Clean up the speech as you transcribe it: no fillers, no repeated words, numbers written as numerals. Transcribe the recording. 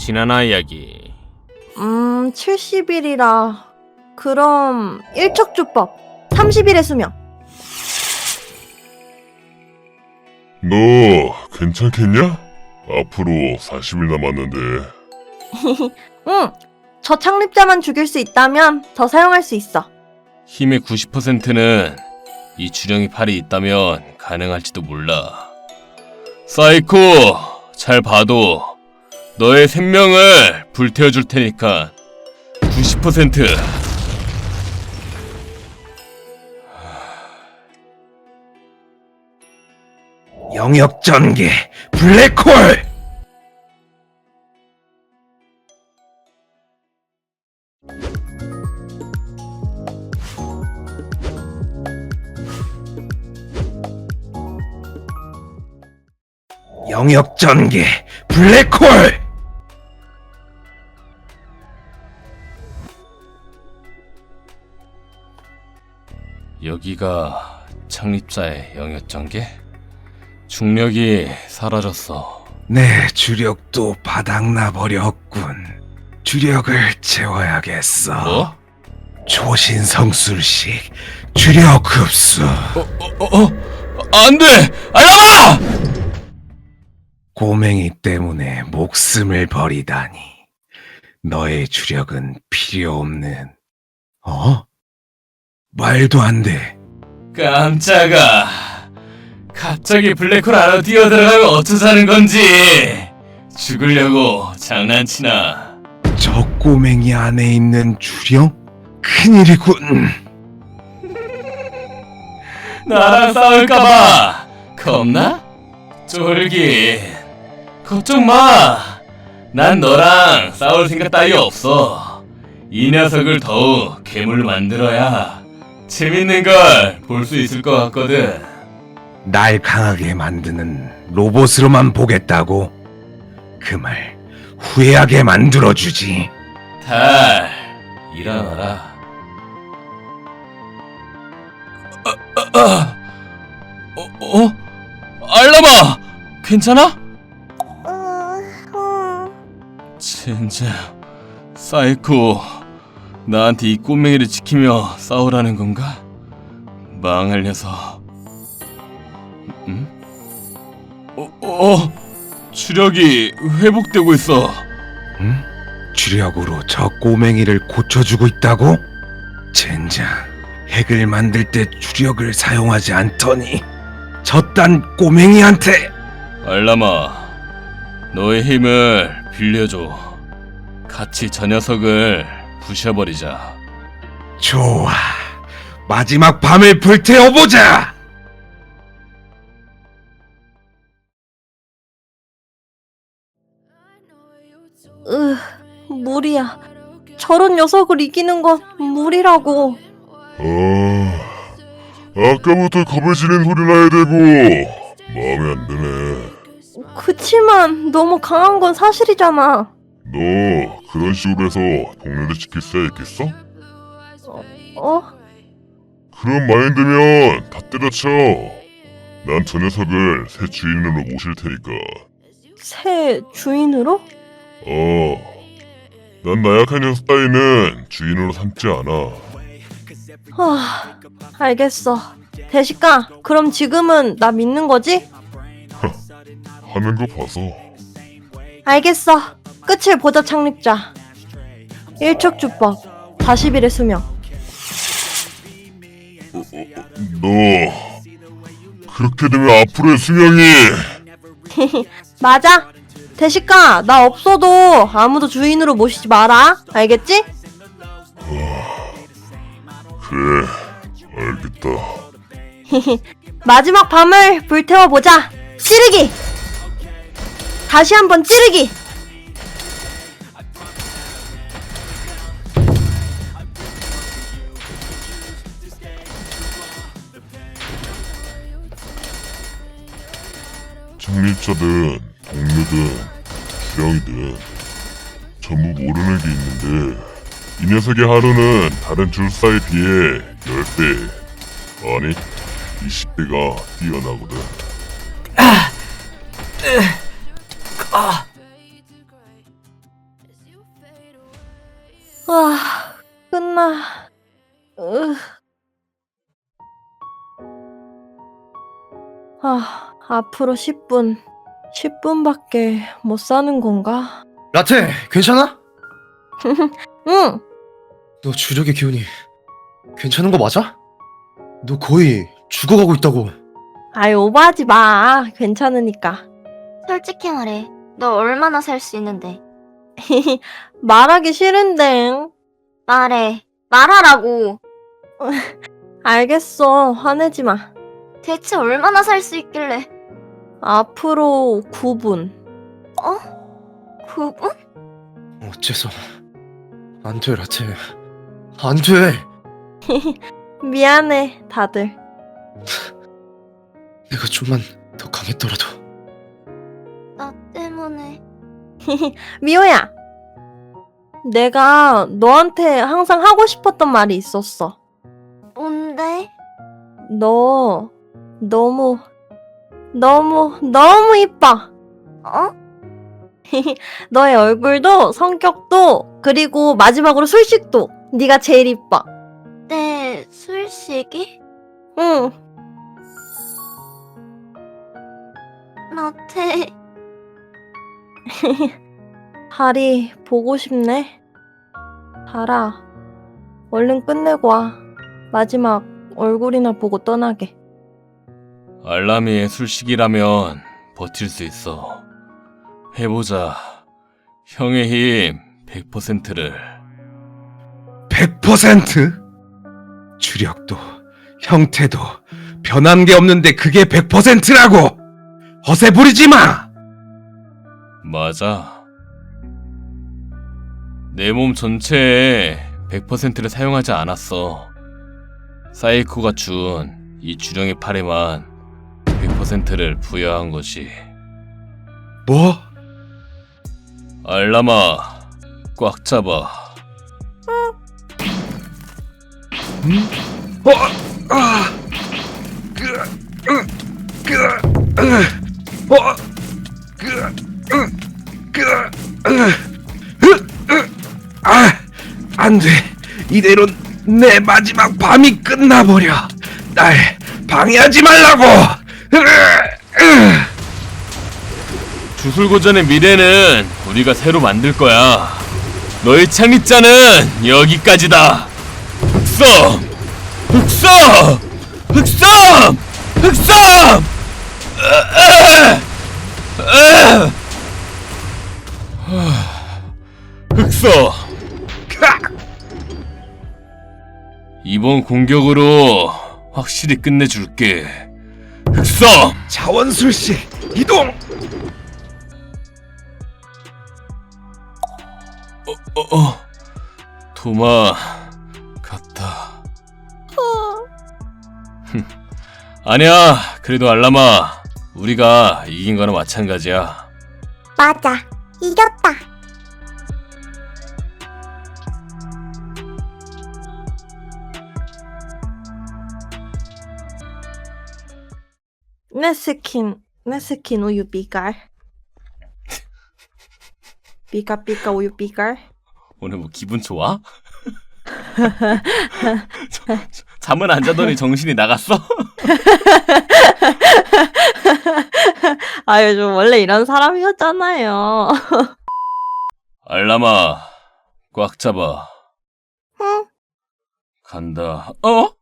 지나나 이야기. 70일이라 그럼 일척주법 30일의 수명. 너 괜찮겠냐? 앞으로 40일 남았는데. 응, 저 창립자만 죽일 수 있다면 더 사용할 수 있어. 힘의 90%는 이 주령이 팔이 있다면 가능할지도 몰라. 사이코, 잘 봐도 너의 생명을 불태워줄 테니까 90%. 영역 전개 블랙홀. 영역 전개 블랙홀. 여기가 창립자의 영역 전개? 중력이 사라졌어. 내 주력도 바닥나 버렸군. 주력을 채워야겠어. 뭐? 초신성술식 주력 흡수. 안 돼! 알람아! 꼬맹이 때문에 목숨을 버리다니. 너의 주력은 필요 없는. 말도 안 돼. 깜짝아. 갑자기 블랙홀 안으로 뛰어들어가면 어쩌자는 건지. 죽으려고 장난치나. 저 꼬맹이 안에 있는 주력? 큰일이군. 나랑 싸울까봐 겁나? 쫄깃. 걱정 마. 난 너랑 싸울 생각 따위 없어. 이 녀석을 더욱 괴물로 만들어야 재밌는 걸 볼 수 있을 것 같거든. 날 강하게 만드는 로봇으로만 보겠다고? 그 말 후회하게 만들어주지. 달, 일어나라. 알람아! 괜찮아? 젠장, 사이코, 나한테 이 꼬맹이를 지키며 싸우라는 건가? 망할 녀석. 주력이 회복되고 있어. 응? 주력으로 저 꼬맹이를 고쳐주고 있다고? 젠장, 핵을 만들 때 주력을 사용하지 않더니 저딴 꼬맹이한테. 알람아, 너의 힘을 빌려줘. 같이 저 녀석을 부셔버리자. 좋아, 마지막 밤을 불태워보자. 무리야. 저런 녀석을 이기는 건 무리라고. 아까부터 겁을 지는 소리 나야 되고 마음에 안 드네. 그치만 너무 강한 건 사실이잖아. 너 그런 식으로 해서 동네를 지킬 수야 있겠어? 그런 마인드면 다 때려쳐. 난 저 녀석을 새 주인으로 모실 테니까. 새 주인으로? 난 나약한 녀석 따위는 주인으로 삼지 않아. 알겠어. 대식가, 그럼 지금은 나 믿는 거지? 하는 거 봐서. 알겠어. 끝을 보자, 창립자. 일척주법 40일의 수명. 너 그렇게 되면 앞으로의 수명이. 맞아. 대식가, 나 없어도 아무도 주인으로 모시지 마라. 알겠지? 그래, 알겠다. 마지막 밤을 불태워보자. 찌르기! 다시 한번 찌르기! 창립자든 동료든 주령이든 전부 모르는 게 있는데 이 녀석의 하루는 다른 줄사에 비해 10배, 아니 20배가 뛰어나거든. 아, 끝나. 으. 앞으로 10분. 10분밖에 못 사는 건가? 라테, 괜찮아? 응! 너 주력의 기운이 괜찮은 거 맞아? 너 거의 죽어가고 있다고. 아이, 오버하지 마. 괜찮으니까. 솔직히 말해. 너 얼마나 살 수 있는데? 말하기 싫은데. 말하라고. 알겠어. 화내지 마. 대체 얼마나 살 수 있길래? 앞으로 9분. 9분? 어째서. 안 돼, 라테. 안 돼. 미안해, 다들. 내가 좀만 더 강했더라도. 나 때문에. 미호야. 내가 너한테 항상 하고 싶었던 말이 있었어. 뭔데? 너 너무 이뻐. 어? 너의 얼굴도 성격도 그리고 마지막으로 술식도 네가 제일 이뻐. 내 술식이? 응. 라테. 달이 보고 싶네. 달아, 얼른 끝내고 와. 마지막 얼굴이나 보고 떠나게. 알람이의 술식이라면 버틸 수 있어. 해보자. 형의 힘 100%를. 100%? 주력도 형태도 변한 게 없는데 그게 100%라고! 허세 부리지 마! 맞아. 내 몸 전체에 100%를 사용하지 않았어. 사이코가 준 이 주령의 팔에만 100%를 부여한 거지. 뭐? 알람아, 꽉 잡아. 안 돼. 이대론 내 마지막 밤이 끝나버려. 날 방해하지 말라고! 주술고전의 미래는 우리가 새로 만들 거야. 너의 창립자는 여기까지다. 흑섬! 흑섬! 흑섬! 흑섬! 흑섬! 이번 공격으로 확실히 끝내줄게. 흑섬! 자원술씨, 이동! 도마 같다. 아니야. 그래도 알람아, 우리가 이긴 거나 마찬가지야. 맞아. 이겼다. 내 스킨 우유 삐깔. 삐까 우유 삐깔. 오늘 뭐 기분 좋아? 잠은 안 자더니 정신이 나갔어? 아, 요즘 원래 이런 사람이었잖아요. 알람아, 꽉 잡아. 응. 간다. 어?